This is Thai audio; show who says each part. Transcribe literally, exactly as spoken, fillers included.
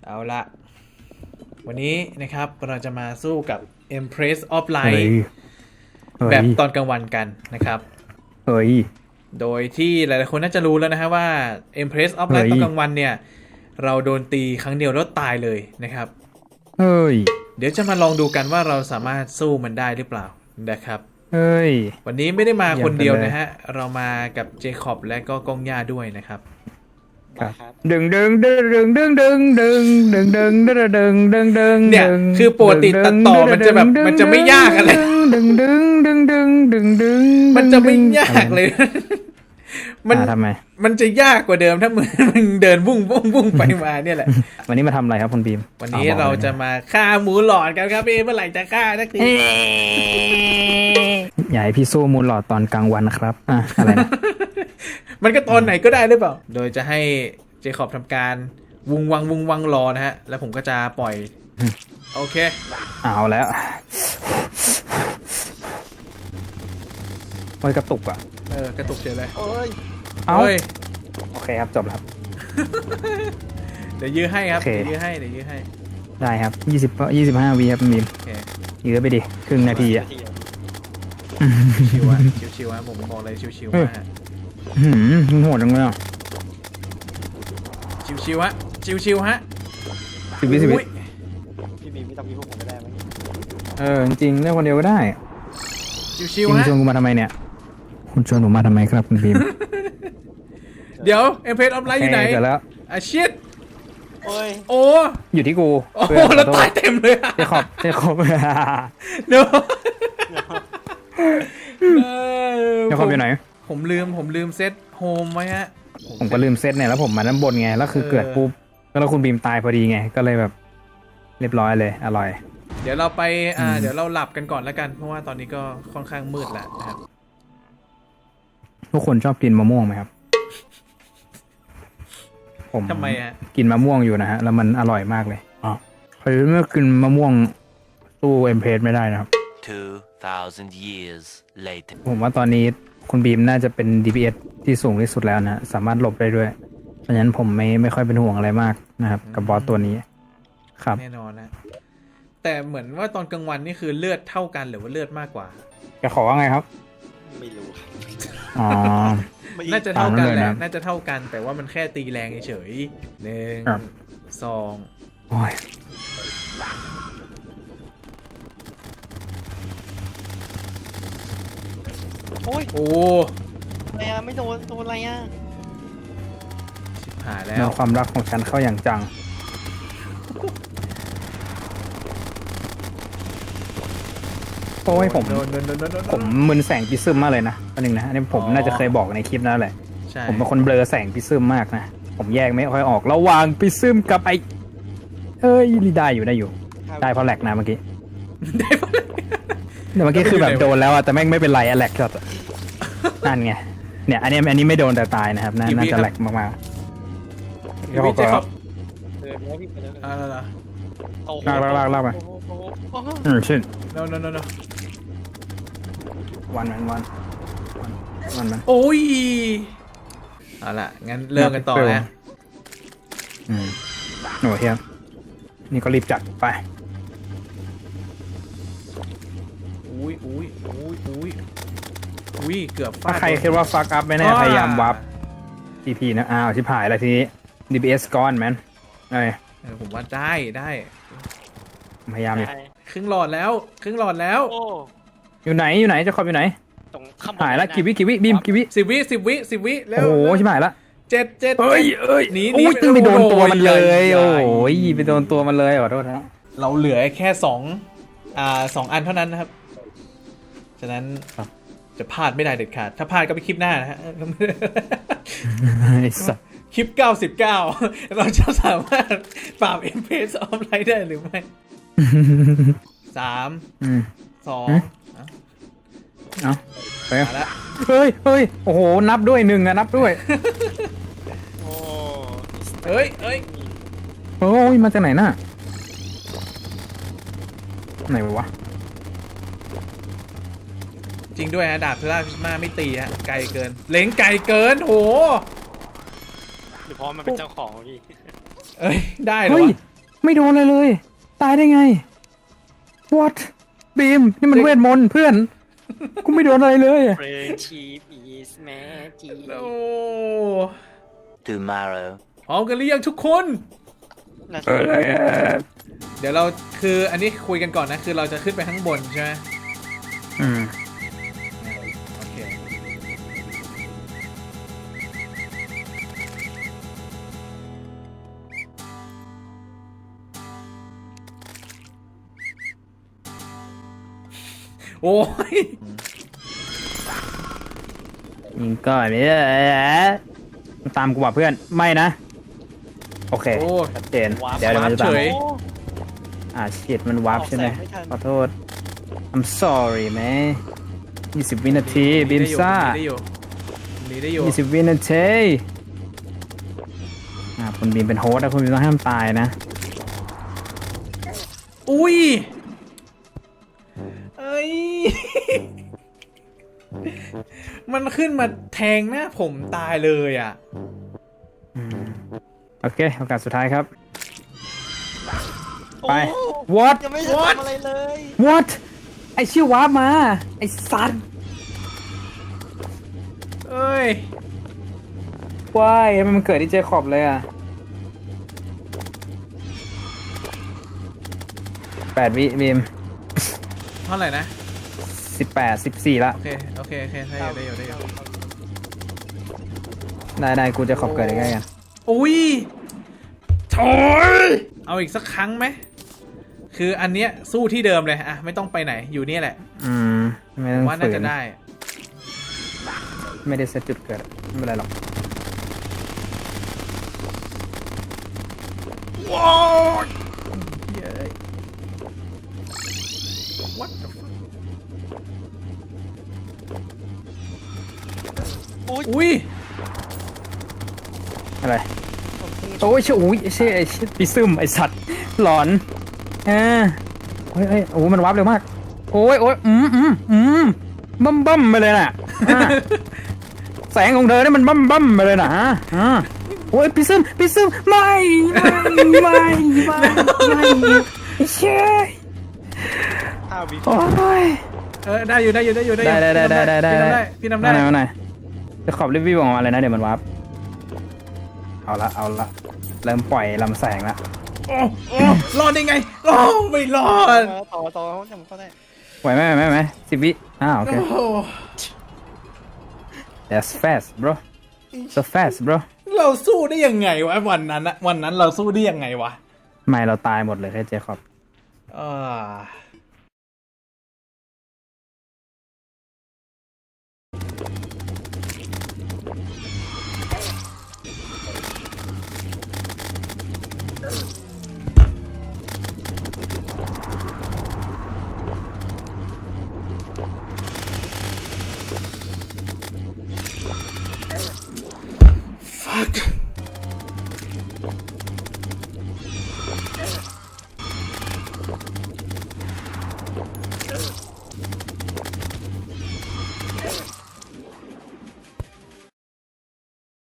Speaker 1: เอาละวันนี้นะครับเราจะมาสู้กับ Empress of Light แบบตอนกลางวันกันนะครับ
Speaker 2: เฮ้ย
Speaker 1: โดยที่หลายๆคนน่าจะรู้แล้วนะฮะว่า Empress of Light ตอนกลางวันเนี่ยเราโดนตีครั้งเดียวแล้วตายเลยนะครับ
Speaker 2: เฮ้ย
Speaker 1: เดี๋ยวจะมาลองดูกันว่าเราสามารถสู้มันได้หรือเปล่านะครับ
Speaker 2: เฮ้ย
Speaker 1: วันนี้ไม่ได้มาคนเดียวนะฮะเรามากับเจคอบและก็กองย่าด้วยนะครับ
Speaker 2: ดึงดึงดึงดึงดึงดึงดึงดึงดึงดึงดึงดึงดึง
Speaker 1: เนี่ยคือปกติตัดต่อมันจะแบบมันจะไม่ยากอะไร
Speaker 2: ดึงดึงดึงดึงดึงดึง
Speaker 1: มันจะไม่ยากเลย
Speaker 2: มันทำไม
Speaker 1: มันจะยากกว่าเดิมถ้ามึงมึงเดินวุ่งวุ่งวุ่งไปมาเนี่ยแหละ
Speaker 2: วันนี้มาทำอะไรครับคุณบีม
Speaker 1: วันนี้เราจะมาฆ่าหมูหลอดกันครับพี่เมื่อไหร่จะฆ่าสักที
Speaker 2: อย่าให้พี่สู้มูลหลอดตอนกลางวันนะครับอ่ะอะไรนะ
Speaker 1: มันก็ตอนไหนก็ได้หรือเปล่าโดยจะให้เจคอบทำการวุงวังวุงวังรอนะฮะแล้วผมก็จะปล่อยโอเค
Speaker 2: เอาแล้วโอ้ยกระตุกอ่ะ
Speaker 1: เออกระตุกเฉยเลย
Speaker 3: โอ้ย
Speaker 2: เอาโอเคครับจบแล้ว
Speaker 1: เดี๋ยวยื้อให้ครับเดี๋ยวยื้อให้เดี๋ยวยื้อให้
Speaker 2: ได้ครับยี่สิบยี่สิบห้าวีครับมีมยื้อไปดิครึ่งนาทีอ่ะ
Speaker 1: ชิวๆอ่ะชิวๆอ่ะผมบอกเลยชิวๆมาก
Speaker 2: หืมโหดจังเลยอ่ะ
Speaker 1: ชิวๆฮะชิวๆฮะ
Speaker 2: สิบวิสิบวิ
Speaker 3: พี่บีไม่ต้องมีพวกผมก็ได้ไหม
Speaker 2: เออจริงๆเล่นคนเดียวก็ได้
Speaker 1: ชิวๆฮะ
Speaker 2: ชวนกูมาทำไมเนี่ยคุณชวนผมมาทำไมครับคุณบีม
Speaker 1: เดี๋ยวเอ็มเพสออฟไลท์อยู่ไหน
Speaker 2: แล้ว
Speaker 1: อาชิต
Speaker 3: โอ้ย
Speaker 1: โอ้
Speaker 2: อยู่ที่กู
Speaker 1: โอ้แล้วตายเต็มเลย
Speaker 2: เจคอบเจคอบ
Speaker 1: เนาะ
Speaker 2: เจคอบอยู่ไหน
Speaker 1: ผมลืมผมลืมเซตโฮมไว้ฮะ
Speaker 2: ผมก็ลืมเซตเนี่ยแล้วผมมาด้านบนไงแล้วคือเกิดปุ๊บแล้วคุณบีมตายพอดีไงก็เลยแบบเรียบร้อยเลยอร่อย
Speaker 1: เดี๋ยวเราไปอ่าเดี๋ยวเราหลับกันก่อนแล้วกันเพราะว่าตอนนี้ก็ค่อนข้างมืดแล้วนะครับ
Speaker 2: ทุกคนชอบกินมะม่วงไหมครับผม
Speaker 1: ทำไมฮะ
Speaker 2: กินมะม่วงอยู่นะฮะแล้วมันอร่อยมากเลยอ๋อใครเมื่อกินมะม่วงสู้เอ็มเพสไม่ได้นะครับ
Speaker 4: two thousand years later
Speaker 2: ผมว่าตอนนี้คุณบีมน่าจะเป็น ดี พี เอส ที่สูงที่สุดแล้วนะสามารถหลบได้ด้วยเพราะฉะนั้นผมไม่ไม่ค่อยเป็นห่วงอะไรมากนะครับกับบอสตัวนี้ครับ
Speaker 1: แน่นอนนะแต่เหมือนว่าตอนกลางวันนี่คือเลือดเท่ากันหรือว่าเลือดมากกว่า
Speaker 2: จะขอว่าไงครับ
Speaker 3: ไม่รู้
Speaker 2: อ๋อ
Speaker 1: น่าจะเท่ากันแหละน่าจะเท่ากันแต่ว่ามันแค่ตีแรงเฉยหนึ่งสอง
Speaker 2: โอ้ย
Speaker 3: โอ้ย
Speaker 1: โอ้
Speaker 3: อะไรอ่ะไม่โดนโดนอะไรอ่ะ
Speaker 1: ชิบหายแล้ว
Speaker 2: ความรักของฉันเข้าอย่างจังโอ้ยผมผมมึนแสงพิซึมมากเลยนะอันหนึ่งนะอันนี้ผมน่าจะเคยบอกในคลิปนั่นแหละผมเป็นคนเบลอแสงพิซึมมากนะผมแยกไม่ค่อยออกระหว่างพิซึมกับไอเอ้ยได้อยู่ได้อยู่ได้เพราะแหลกนะเมื่อกี้
Speaker 1: ได้เพราะแหลก
Speaker 2: แต่เมื่อกี้คือแบบโดนแล้วอะแต่แม่งไม่เป็นไรอะแหลกช็อตนั่นไงเนี่ยอันนี้อันนี้ไม่โดนแต่ตายนะครับน่าจะแหลกมาก
Speaker 1: ๆพี่เจคอบ
Speaker 3: เดินแล้วพี่ไปแล้ว
Speaker 1: อ่าล่ะ
Speaker 2: ลากลากลากลากไปอืมชิ้น
Speaker 1: no no no no
Speaker 2: วันมันวันวันมัน
Speaker 1: โอ้ยเอาล่ะงั้นเริ่มกันต่อนะ
Speaker 2: อืมโอ้เฮียนี่ก็รีบจัดไป
Speaker 1: อุ้ยอุ้ยอุ้ยอุ้ยอุ้ยเกือบ
Speaker 2: ถ้าใครคิดว่าฟักอัพไม่แน่พยายามวับ ที พี นะอ้าวชิบหายแล้วทีนี้ ดี พี เอส ก้อนแมนไอ้
Speaker 1: ผมว่าได้ได้
Speaker 2: พยายามอยู่
Speaker 1: ครึ่งหลอดแล้วครึ่งหลอดแล้ว
Speaker 2: อยู่ไหนอยู่ไหนจะขอบอยู่ไหนหายแล้วกี่วิกี่วิบีมกี่วิ
Speaker 1: สิบวิสิบวิสิบวิแล้ว
Speaker 2: โอ้โหชิบหายแล้ว
Speaker 1: เจ็ดเจ็ด
Speaker 2: เอ้ยเอ้ย
Speaker 1: หนี
Speaker 2: หนีไปโดนตัวมันเลยโอ้ยไปโดนตัวมันเลยขอโทษนะ
Speaker 1: เราเหลือแค่สองอ่าสองอันเท่านั้นนะครับฉะนั้นจะพลาดไม่ได้เด็ดขาดถ้าพลาดก็ไปคลิปหน้านะฮะคลิปเก้าสิบเก้าเราจะสามารถปราบ Empress of Light ได้หรือไม่สามสอง
Speaker 2: เอาไปแล้วเฮ้ยเฮ้ยโอ้โหนับด้วยหนึ่งอะนับด้วย
Speaker 3: โอ้
Speaker 1: เฮ้ยเฮ้ย
Speaker 2: โอ้ยมาจากไหนน่ะไหนวะ
Speaker 1: จริงด้วยฮะดาบเพลาพิสมาไม่ตีฮะไกลเกินเล็งไกลเกินโห
Speaker 3: หรือเพราะมันเป็นเจ้าของพี่
Speaker 1: เอ้ยได้เหรอ
Speaker 2: ไม่โดนอะไรเลย ตายได้ไง what บีมนี่มันเวทมนต์เพื่อน กูไม่โดนอะไรเลย
Speaker 3: Friendship is magic
Speaker 1: โอ้
Speaker 4: Tomorrow.
Speaker 1: พร้อมกันหรือยังทุกคน
Speaker 3: น่า
Speaker 2: เอ
Speaker 3: จะ
Speaker 2: ออะไรอะ
Speaker 1: เดี๋ยวเราคืออันนี้คุยกันก่อนนะ คือเราจะขึ้นไปข้างบนใช่ไหม
Speaker 2: อืม
Speaker 1: โอเค โอ้ย
Speaker 2: ยิงก่อนเนี่ยตามกูว่ะเพื่อน ไม่นะ โอเค
Speaker 1: โอ้
Speaker 2: ชัดเจน เดี๋ยวเดี๋ยวมันจะตาม
Speaker 1: เฉย
Speaker 3: โอ้
Speaker 2: อ่าชิดมันวาร์ปใช่ไหม
Speaker 3: ออกแสงไม่ทัน
Speaker 2: ขอโทษ I'm sorry แม่ยี่สิบวินาทีบีมซ่า
Speaker 1: ได้อยู่หนีได้อยู่
Speaker 2: ยี่สิบวินาทีอ่าคุณบีมเป็นโฮสต์นะคุณบีมต้องห้ามตายนะ
Speaker 1: อุ้ย เอ้ย มันขึ้นมาแทงหน้าผมตายเลยอ่ะ
Speaker 2: โอเค โอกาสสุดท้ายครับ
Speaker 3: โอ้
Speaker 2: ไป what
Speaker 3: ยังไม่ได้ทำอะไรเลย
Speaker 2: what ไอชื่อวาร์ปมา ไอสัตว์
Speaker 1: เอ้ย
Speaker 2: ว้ายทำไมมันเกิดที่เจคอบเลยอ่ะแปดวิบีม
Speaker 1: เท่าไหร่นะ
Speaker 2: สิบแปดสิบสี่ละ
Speaker 1: โอเค โอเค โอเคได้อยู่ได้อยู่ได้อยู่
Speaker 2: ได้ได้กูจะขอบเกิดได้ไงกัน
Speaker 1: อุ้ยโถยเอาอีกสักครั้งไหม คืออันเนี้ยสู้ที่เดิมเลยอะไม่ต้องไปไหน อยู่เนี่ยแหละ
Speaker 2: อืม ไม่
Speaker 1: ผ
Speaker 2: ต้อ
Speaker 1: ม
Speaker 2: ง
Speaker 1: ว่าน่า
Speaker 2: ฝื
Speaker 1: จะ
Speaker 2: น
Speaker 1: ได้
Speaker 2: ไม่ได้เซตจุดเกิด ไม่เป็นไรหรอก
Speaker 1: ว้าวเย้ย What the fuck
Speaker 3: อุ้ย
Speaker 1: อุ้ย
Speaker 2: อะไร โอ้ยเชื่ออุ้ยเชื่อไอ้เชื่อปีซึมไอสัตว์ หลอนเออเฮ้ยเฮ้ยโอ้มันวาร์ปเร็วมาก โอ้ยโอ้ยอืมอืมอืมบั้มบั้มไปเลยน่ะอ่ะแสงของเธอเนี่ยมันบั้มบั้มไปเลยน่ะฮะอ่ะโอ้ยปีซึมปีซึมไม่ไม่ไม่ไม่ไม่เชื่อ
Speaker 3: ห้าวิ
Speaker 2: โอ้ย
Speaker 1: เออ ได้อยู่ได้อยู่ได้อยู่ได้อยู่
Speaker 2: ได้ได้ได้ได้ได้ได้
Speaker 1: พี่ทำได้ พี่ทำได้
Speaker 2: มาหน่อยมาหน่อยจะขอบรีวิวออกมาเลยนะเดี๋ยวมันวาร์ปเอาละเอาละเริ่มปล่อยลำแสงละ
Speaker 1: โอ้โอ้รอดได้ไงโอ้ไม่รอด
Speaker 3: ต่อต่อจำก็ได้
Speaker 2: ไหวไหมไหวไหมไหวไหมสิบวิอ้าวโอเค
Speaker 1: โอ้
Speaker 2: that's fast bro so fast bro
Speaker 1: เราสู้ได้ยังไงวะวันนั้นอะวันนั้นเราสู้ได้ยังไงวะ
Speaker 2: ไม่เราตายหมดเลยแค่เจคอบ
Speaker 1: อ่า